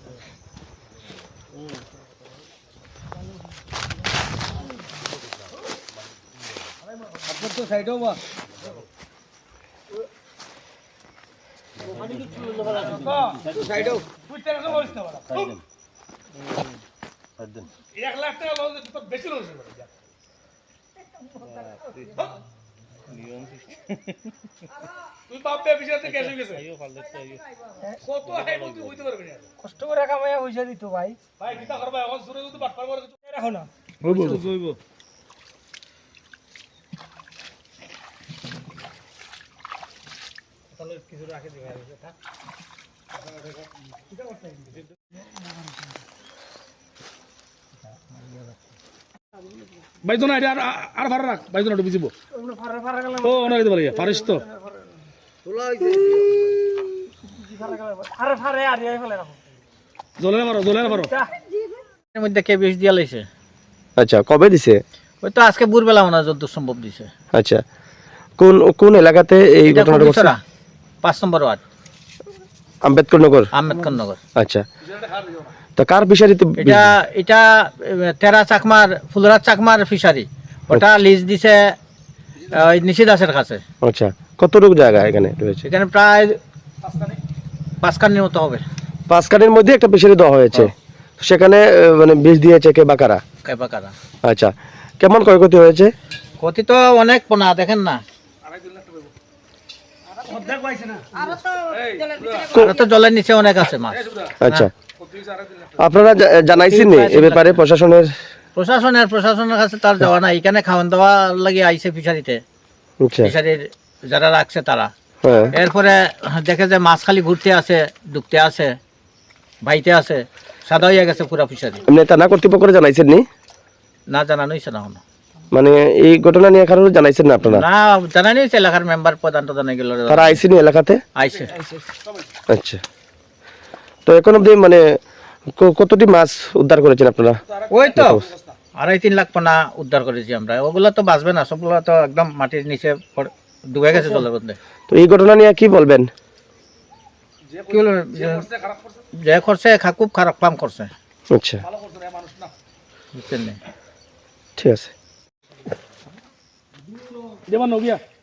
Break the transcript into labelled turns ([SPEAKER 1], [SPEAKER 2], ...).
[SPEAKER 1] আপনার তো সাইডেও বা সাইডেও বুঝতে না বলিস না বড় 1 লাখ টাকা লস তো বেশি লস হবে নিয়ম তুই বাপে বিষয়তে কেন গেছে কত হাই বলতে হইতে পারবে না কষ্ট করে কামাইয়া পয়সা দিত ভাই ভাই কিটা করবা এখন সুরে যদি বাটপার করে কিছু রাখো না হইব হইব তাহলে কিছু রাখে দিবা থাক কিটা করতে বাইদনা এটা আর ফারা রাখ বাইদনা একটু বুঝিব ফারা ফারা গেল ও না দিতে পারি ফারিস তো তোলা হইছে ফারা গেল আরে ফারে আর এই ফেলে রাখো জলের মারো এর মধ্যে কে বেশ দিয়া লাইছে
[SPEAKER 2] আচ্ছা কবে দিছে
[SPEAKER 1] ওই তো আজকে ভোরবেলা মনে যত সম্ভব দিছে
[SPEAKER 2] আচ্ছা কোন কোন এলাকাতে এই ঘটনাটা ঘটছে
[SPEAKER 1] 5 নম্বর ওয়ার্ড
[SPEAKER 2] আম্বেদকর নগর আচ্ছা তো কার ফিশারিতে
[SPEAKER 1] এটা তেরা চাকমার ফুলরাজ চাকমার ফিশারি ওটা লিজ দিছে ওই নিশিদাসের কাছে
[SPEAKER 2] আচ্ছা কতটুকু জায়গা এখানে রয়েছে
[SPEAKER 1] এখানে প্রায় 5 কানির মতো হবে
[SPEAKER 2] 5 কানির মধ্যে একটা ফিশারি দেওয়া হয়েছে সেখানে মানে বীজ দিয়েছে কে বাকারা আচ্ছা কেমন ক্ষয়ক্ষতি হয়েছে
[SPEAKER 1] ক্ষতি তো অনেক পোনা দেখেন না আর তো জলের নিচে অনেক আছে মাছ
[SPEAKER 2] আচ্ছা আপনারা জানাইছেন এই ব্যাপারে
[SPEAKER 1] প্রশাসনের কাছে তার যাওয়া না এখানে খাওয়ান দাওয়া লাগে আইছে ফিশারিতে ফিশারির যারা রাখছে তারা এরপরে দেখে যে মাছ খালি ঘুরতে আছে ডুবতে আছে বাইতে আছে সাদা হয়ে গেছে পুরা ফিশারি
[SPEAKER 2] আপনি থানা কর্তৃপক্ষকে জানাইছেন
[SPEAKER 1] না জানানো হয়েছে না এখনো
[SPEAKER 2] মানে এই ঘটনা নিয়ে কারো জানাইছেন না আপনারা
[SPEAKER 1] না জানানো হয়েছে এলাকার মেম্বার প্রধান তো জানাই গেল
[SPEAKER 2] তারা আইসিনি এলাকাতে
[SPEAKER 1] আইছে
[SPEAKER 2] আচ্ছা তো এখন অবধি মানে কতটি মাছ উদ্ধার করেছেন আপনারা
[SPEAKER 1] ওই তো 2.5-3 লাখ পোনা উদ্ধার করেছি আমরা ওগুলো তো বাঁচবে না সবগুলো তো একদম মাটির নিচে ডুবে গেছে জলের মধ্যে
[SPEAKER 2] তো এই ঘটনা নিয়ে কি বলবেন
[SPEAKER 1] কি বলবেন যে করছে খুব খারাপ কাম করছে
[SPEAKER 2] আচ্ছা
[SPEAKER 1] বুঝছেন
[SPEAKER 2] ঠিক আছে
[SPEAKER 1] যেমন নগিয়া